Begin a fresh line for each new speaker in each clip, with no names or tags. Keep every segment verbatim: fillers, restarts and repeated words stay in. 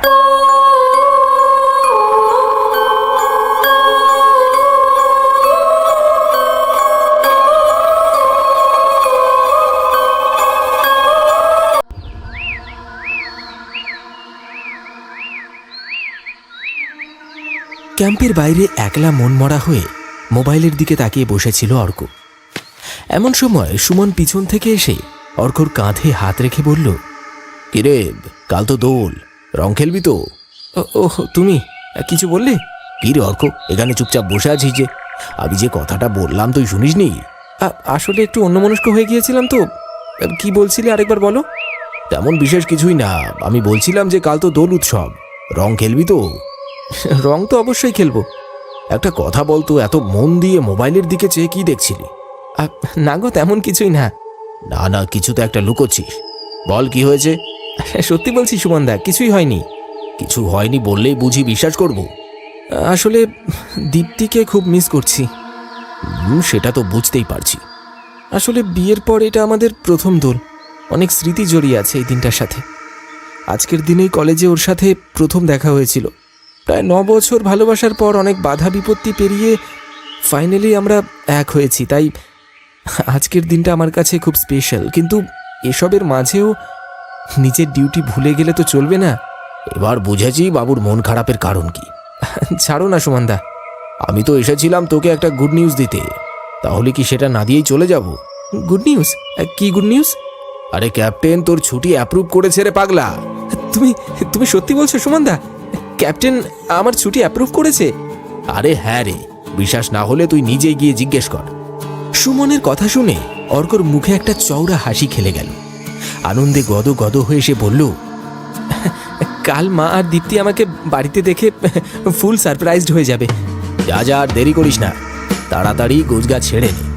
ক্যাম্পের বাইরে একলা মনমরা হয়ে মোবাইলের দিকে তাকিয়ে বসেছিল অর্ক। এমন সময় সুমন পিছন থেকে এসে অর্কর কাঁধে হাত রেখে বলল, কিরে, কাল তো দোল, রং খেলবি তো? ওহ, তুমি কিছু বললে? কি রে অর্ক, এখানে চুপচাপ বসে আছিস যে? আমি যে কথাটা বললাম তুই শুনিসনি? আসলে একটু অন্যমনস্ক হয়ে গিয়েছিলাম তো। কি বলছিলে আরেকবার বলো। তেমন বিশেষ কিছুই না, আমি বলছিলাম যে কাল তো দোল উৎসব, রং খেলবি তো? রং তো অবশ্যই খেলবো। একটা কথা বলতো, এত মন দিয়ে মোবাইলের দিকে চেয়ে কি দেখছিলি? না গো, তেমন কিছুই না। না না, কিছু তো একটা লুকোচ্ছিস, বল কি হয়েছে? সত্যি বলছি সুমনদা, কিছুই হয়নি। কিছু হয়নি বললেই বুঝি বিশ্বাস করব? আসলে দীপ্তিকে খুব মিস করছি। সেটা তো বুঝতেই পারছি। আসলে বিয়ের পর এটা আমাদের প্রথম দোল, অনেক স্মৃতি জড়িয়ে আছে এই দিনটার সাথে। আজকের দিনেই কলেজে ওর সাথে প্রথম দেখা হয়েছিল। প্রায় ন বছর ভালোবাসার পর অনেক বাধা বিপত্তি পেরিয়ে ফাইনালি আমরা এক হয়েছি, তাই আজকের দিনটা আমার কাছে খুব স্পেশাল। কিন্তু এসবের মাঝেও নিজের ডিউটি ভুলে গেলে তো চলবে না। এবার বুঝেছি বাবুর মন খারাপের কারণ কি। ছাড়ো না সুমনদা, আমি তো এসেছিলাম তোকে একটা গুড নিউজ দিতে, তাহলে কি সেটা না দিয়েই চলে যাব? Good news? কি গুড নিউজ? আরে ক্যাপ্টেন তোর ছুটি অ্যাপ্রুভ করেছে রে পাগলা। তুমি তুমি সত্যি বলছো সুমনদা? ক্যাপ্টেন আমার ছুটি অ্যাপ্রুভ করেছে? আরে হ্যাঁ রে, বিশ্বাস না হলে তুই নিজেই গিয়ে জিজ্ঞেস কর। সুমনের কথা শুনে অর্কর মুখে একটা চওড়া হাসি খেলে গেল। আনন্দে গদ গদ হয়ে সে বলল, কাল মা আর দীপ্তি আমাকে বাড়িতে দেখে ফুল সারপ্রাইজড হয়ে যাবে। যা যা, আর দেরি করিস না, তাড়াতাড়ি গোছগাছ ছেড়ে নে।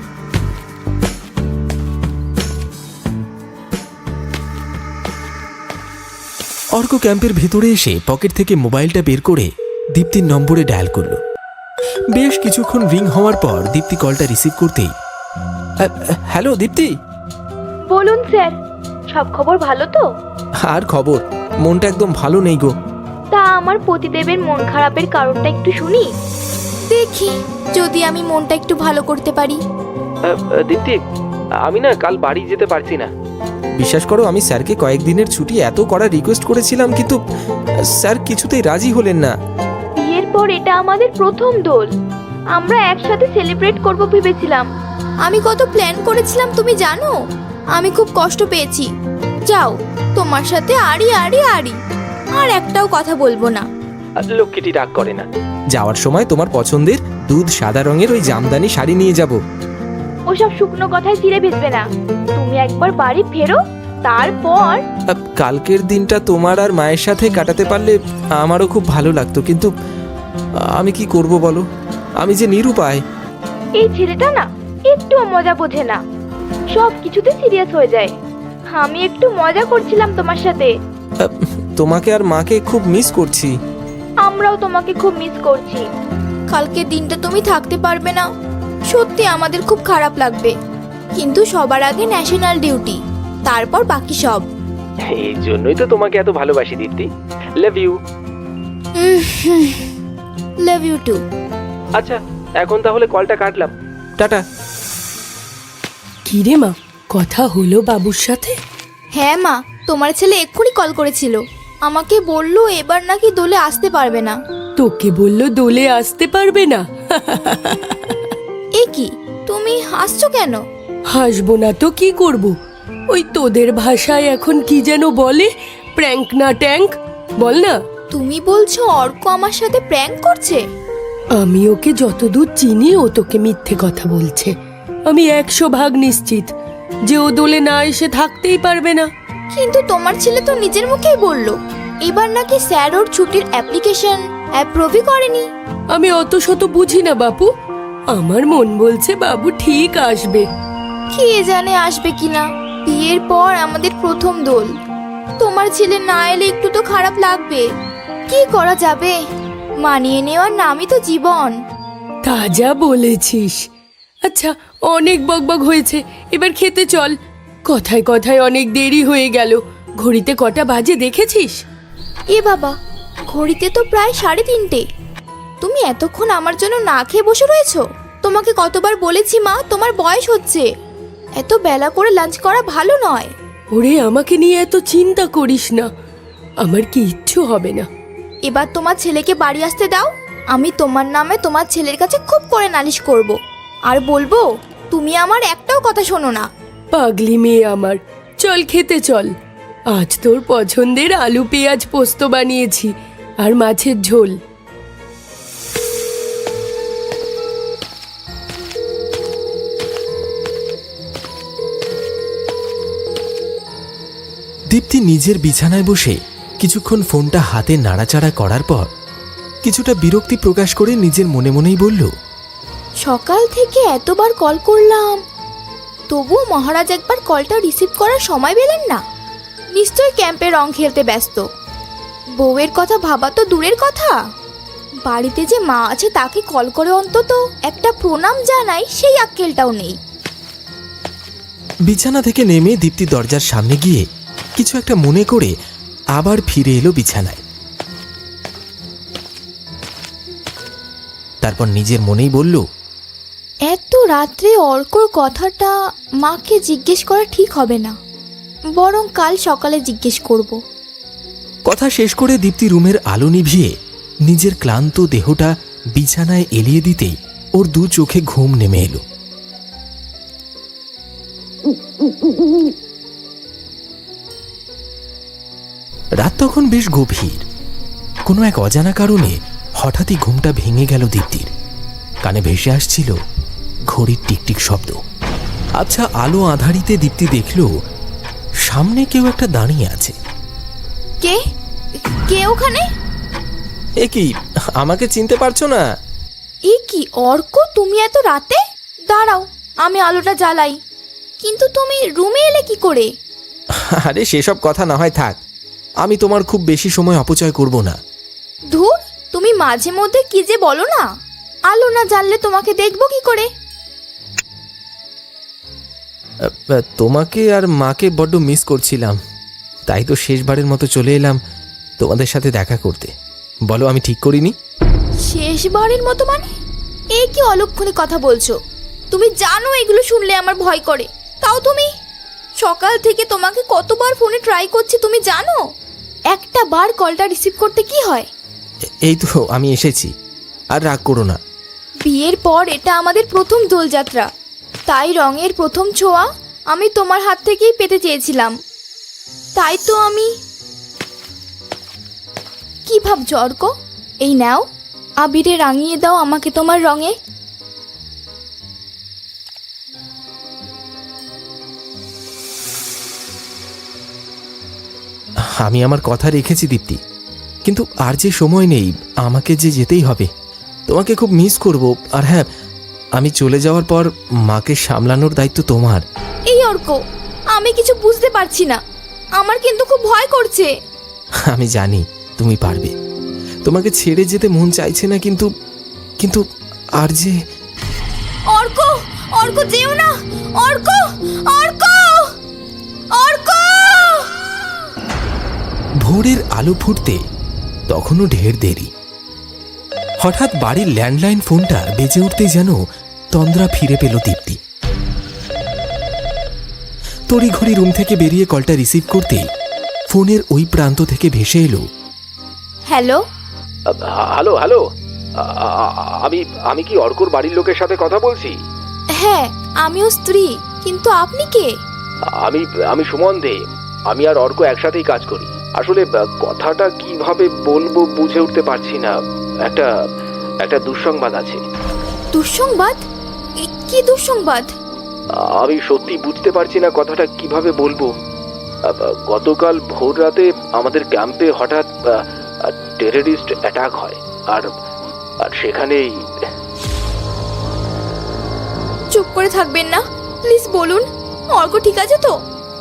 অর্ক ক্যাম্পের ভেতরে এসে পকেট থেকে মোবাইলটা বের করে দীপ্তির নম্বরে ডায়াল করল। বেশ কিছুক্ষণ রিং হওয়ার পর দীপ্তি কলটা রিসিভ করতেই, হ্যালো দীপ্তি।
বলুন স্যার, সব খবর ভালো তো?
আর খবর, মনটা একদম ভালো নেই গো।
তা আমার পতিদেবের মন খারাপের কারণটা একটু শুনি, দেখি যদি আমি মনটা একটু ভালো করতে পারি।
দীপ্তি, আমি না কাল বাড়ি যেতে পারছি না। বিশ্বাস করো, আমি স্যারকে কয়েকদিনের ছুটি এত করা রিকোয়েস্ট করেছিলাম, কিন্তু স্যার কিছুতেই রাজি হলেন না।
বিয়ের পর এটা আমাদের প্রথম দোল, আমরা একসাথে সেলিব্রেট করব ভেবেছিলাম। আমি কত প্ল্যান করেছিলাম তুমি জানো? আমি খুব কষ্ট পেয়েছি। যাও, তোমার সাথে আড়ি আড়ি আড়ি, আর একটাও কথা বলবো না।
লক্ষ্মীটি রাগ করে না। যাওয়ার সময় তোমার পছন্দের দুধ সাদা রঙের ওই জামদানি শাড়ি নিয়ে যাব।
ওসব শুকনো কথায় চিড়ে ভেসবে না, তুমি একবার বাড়ি ফেরো, তারপর।
কালকের দিনটা তোমার আর মায়ের সাথে কাটাতে পারলে আমারও খুব ভালো লাগতো, কিন্তু আমি কি করব বলো, আমি যে নিরুপায়।
এই ছেলেটা না একটু মজা বোঝে না, সব কিছুতে সিরিয়াস হয়ে যায়। আমি একটু মজা করছিলাম তোমার সাথে।
তোমাকে আর মাকে খুব মিস করছি।
আমরাও তোমাকে খুব মিস করছি। কালকে দিনটা তুমি থাকতে পারবে না, সত্যি আমাদের খুব খারাপ লাগবে, কিন্তু সবার আগে ন্যাশনাল ডিউটি, তারপর বাকি সব।
এই জন্যই তো তোমাকে এত ভালোবাসি Dipti. Love you.
Love you too.
আচ্ছা, এখন তাহলে কলটা কাটলাম, টাটা।
কি রে মা, কথা হলো বাবুর সাথে?
হ্যাঁ মা, তোমার ছেলে এক্ষুনি কল করেছিল, আমাকে বললো এবার নাকি দোলে আসতে পারবে না।
তোকে বললো দোলে আসতে পারবে না?
এ কি, তুমি হাসছো কেন?
হাসবো না তো কি করব, ওই তোদের ভাষায় এখন কি যেন বলে, প্র্যাঙ্ক না ট্যাঙ্ক, বল না।
তুমি বলছো অর্ক আমার সাথে প্র্যাঙ্ক করছে?
আমি ওকে যতদূর চিনি ও তোকে মিথ্যে কথা বলছে। আমি একশো ভাগ নিশ্চিত যে ও দোলে না এসে থাকতেই পারবে না।
কিন্তু তোমার ছেলে তো নিজের মুখেই বললো এবার নাকি স্যার ওর ছুটির অ্যাপ্লিকেশন অ্যাপ্রুভই করেনি।
আমি অত শত বুঝি না বাপু, আমার মন বলছে বাবু ঠিক আসবে।
কে জানে আসবে কিনা, বিয়ের পর আমাদের প্রথম দোল, তোমার ছেলে না এলে একটু তো খারাপ লাগবে। কি করা যাবে, মানিয়ে নেওয়ার নামই তো জীবন।
তা যা বলেছিস। আচ্ছা, অনেক বকবক হয়েছে, এবার খেতে চল। কথায় কথায় অনেক দেরি হয়ে গেল, ঘড়িতে কটা বাজে দেখেছিস?
এ বাবা, ঘড়িতে তো প্রায় সাড়ে তিনটে। তুমি এতক্ষণ আমার জন্য না খেয়ে বসে রয়েছো? তোমাকে কতবার বলেছি মা, তোমার বয়স হচ্ছে, এত বেলা করে লাঞ্চ করা ভালো নয়।
ওরে, আমাকে নিয়ে এত চিন্তা করিস না, আমার কি ইচ্ছু হবে না।
এবার তোমার ছেলেকে বাড়ি আসতে দাও। আমি তোমার নামে তোমার ছেলের কাছে খুব করে নালিশ করব, আর বলবো তুমি আমার একটাও কথা শোনো না।
পাগলি মেয়ে আমার, চল খেতে চল। আজ তোর পছন্দের আলু পেঁয়াজ পোস্ত বানিয়েছি, আর মাছের ঝোল।
দীপ্তি নিজের বিছানায় বসে কিছুক্ষণ ফোনটা হাতে নাড়াচাড়া করার পর কিছুটা বিরক্তি প্রকাশ করে নিজের মনে মনেই বলল,
সকাল থেকে এতবার কল করলাম, তবুও মহারাজ একবার কলটা রিসিভ করার সময় পেলেন না। নিশ্চয় ক্যাম্পে রং খেলতে ব্যস্ত। বউয়ের কথা ভাবা তো দূরের কথা, বাড়িতে যে মা আছে তাকে কল করে অন্তত একটা প্রণাম জানাই, সেই আক্কেলটাও নেই।
বিছানা থেকে নেমে দীপ্তি দরজার সামনে গিয়ে কিছু একটা মনে করে আবার ফিরে এলো বিছানায়। তারপর নিজের মনেই বলল,
এত রাত্রে অর্কর কথাটা মাকে জিজ্ঞেস করা ঠিক হবে না, বরং কাল সকালে জিজ্ঞেস করব।
কথা শেষ করে দীপ্তি রুমের আলো নিভিয়ে নিজের ক্লান্ত দেহটা বিছানায় এলিয়ে দিতেই ওর দু চোখে ঘুম নেমে এলো। রাত তখন বেশ গভীর। কোনো এক অজানা কারণে হঠাৎই ঘুমটা ভেঙে গেল দীপ্তির। কানে ভেসে আসছিল ঘড়ির টিকটিক শব্দ। আচ্ছা, আলো আধারিতে দীপ্তি দেখল সামনে কেউ একটা দাঁড়িয়ে আছে।
কে কে ওখানে?
এ কি, আমাকে চিনতে পারছো না?
এ কি অর্ক, তুমি এত রাতে? দাঁড়াও, আমি আলোটা জ্বালাই। কিন্তু তুমি রুমে এলে কি করে?
আরে সেসব কথা না হয় থাক, আমি তোমার খুব বেশি সময় অপচয় করব না।
ধুর, তুমি মাঝে মধ্যে কি যে বলো না। আলো না জ্বাললে তোমাকে দেখবো কি করে?
তোমাকে আর মাকে বড্ড মিস করছিলাম, তাই তো শেষবারের মতো চলে এলাম তোমাদের সাথে দেখা করতে। বলো, আমি ঠিক করিনি?
শেষবারের মতো মানে? এ কি অলক্ষণে কথা বলছো? তুমি জানো এগুলো শুনলে আমার ভয় করে, তাও তুমি? সকাল থেকে তোমাকে কতবার ফোনে ট্রাই করছি তুমি জানো? একটা বার কলটা রিসিভ করতে কি হয়?
এই তো আমি এসেছি, আর রাগ করো না।
বিয়ের পর এটা আমাদের প্রথম দোলযাত্রা, তাই রঙের প্রথম ছোঁয়া আমি তোমার হাত থেকেই পেতে চেয়েছিলাম। তাই তো আমি। কি ভাবছো অর্ক? এই নাও, আবিরে রাঙিয়ে দাও আমাকে তোমার রঙে।
আমি আমার কথা রেখেছি দীপ্তি, কিন্তু আর যে সময় নেই, আমাকে যে যেতেই হবে। তোমাকে খুব মিস করব। আর হ্যাঁ, আমি চলে যাওয়ার পর মাকে সামলানোর দায়িত্ব তোমার।
এই অর্ক, আমি কিছু বুঝতে পারছি না, আমার কিন্তু খুব ভয় করছে।
আমি জানি তুমি পারবে, তোমাকে ছেড়ে যেতে মন চাইছে না, কিন্তু কিন্তু আর যে।
অর্ক, অর্ক যেও না, অর্ক, অর্ক, অর্ক।
ভোরের আলো ফুটতে তখনও ঢের দেরি। হঠাৎ বাড়ির ল্যান্ডলাইন ফোনটা বেজে উঠতে যেন তন্দ্রা ফিরে পেল দীপ্তি। তড়িঘড়ি রুম থেকে বেরিয়ে কলটা রিসিভ করতেই ফোনের ওই প্রান্ত থেকে ভেসে এলো,
হ্যালো।
হ্যালো হ্যালো আমি আমি কি অর্কর বাড়ির লোকের সাথে কথা বলছি?
হ্যাঁ, আমিও স্ত্রী, কিন্তু আপনি কে?
আমি আমি সুমন দে। আমি আর অর্ক একসাথেই কাজ করি। আসলে কথাটা কিভাবে বলবো বুঝে উঠতে পারছি না। একটা একটা দুঃসংবাদ আছে।
দুঃসংবাদ? কি দুঃসংবাদ?
আমি সত্যি বুঝতে পারছি না কথাটা কিভাবে বলবো। গতকাল ভোর রাতে আমাদের ক্যাম্পে হঠাৎ টেররিস্ট অ্যাটাক হয়, আর আর সেখানেই।
চুপ করে থাকবেন না, প্লিজ বলুন। অর্ক ঠিক আছে তো?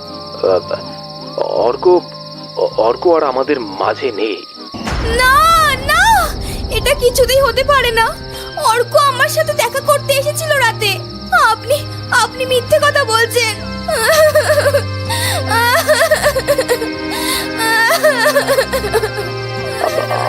অর্ক অর্ক আর আমাদের মাঝে নেই।
না না, এটা কিছুতেই হতে পারে না। অর্ক আমার সাথে দেখা করতে এসেছিল রাতে। আপনি আপনি মিথ্যে কথা বলছেন।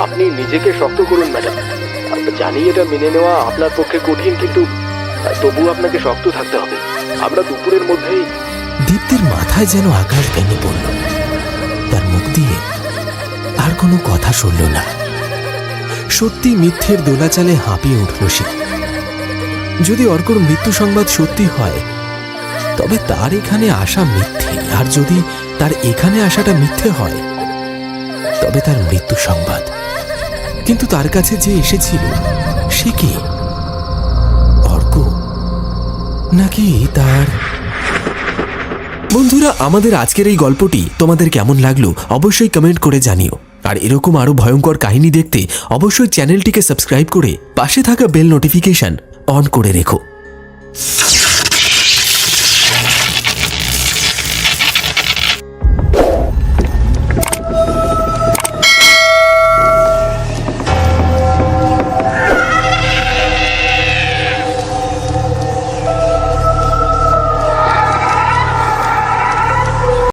আপনি নিজেকে শক্ত করুন ম্যাডাম। জানি এটা মেনে নেওয়া আপনার পক্ষে কঠিন, কিন্তু তবু আপনাকে শক্ত থাকতে হবে। আমরা দুপুরের মধ্যেই।
দীপ্তির মাথায় যেন আকাশ ভেঙে পড়ল। তার মুখ দিয়ে আর কোনো কথা শুনল না। সত্যি মিথ্যের দোলাচালে হাঁপিয়ে উঠল সে। যদি অর্কর মৃত্যু সংবাদ সত্যি হয়, তবে তার এখানে আসা মিথ্যে, আর যদি তার এখানে আসাটা মিথ্যে হয়, তবে তার মৃত্যু সংবাদ। কিন্তু তার কাছে যে এসেছিল সে কি? অর্ক নাকি তার? বন্ধুরা, আমাদের আজকের এই গল্পটি তোমাদের কেমন লাগলো অবশ্যই কমেন্ট করে জানিও। আর এরকম আরো ভয়ঙ্কর কাহিনী দেখতে অবশ্যই চ্যানেলটিকে সাবস্ক্রাইব করে পাশে থাকা বেল নোটিফিকেশন অন করে রেখো।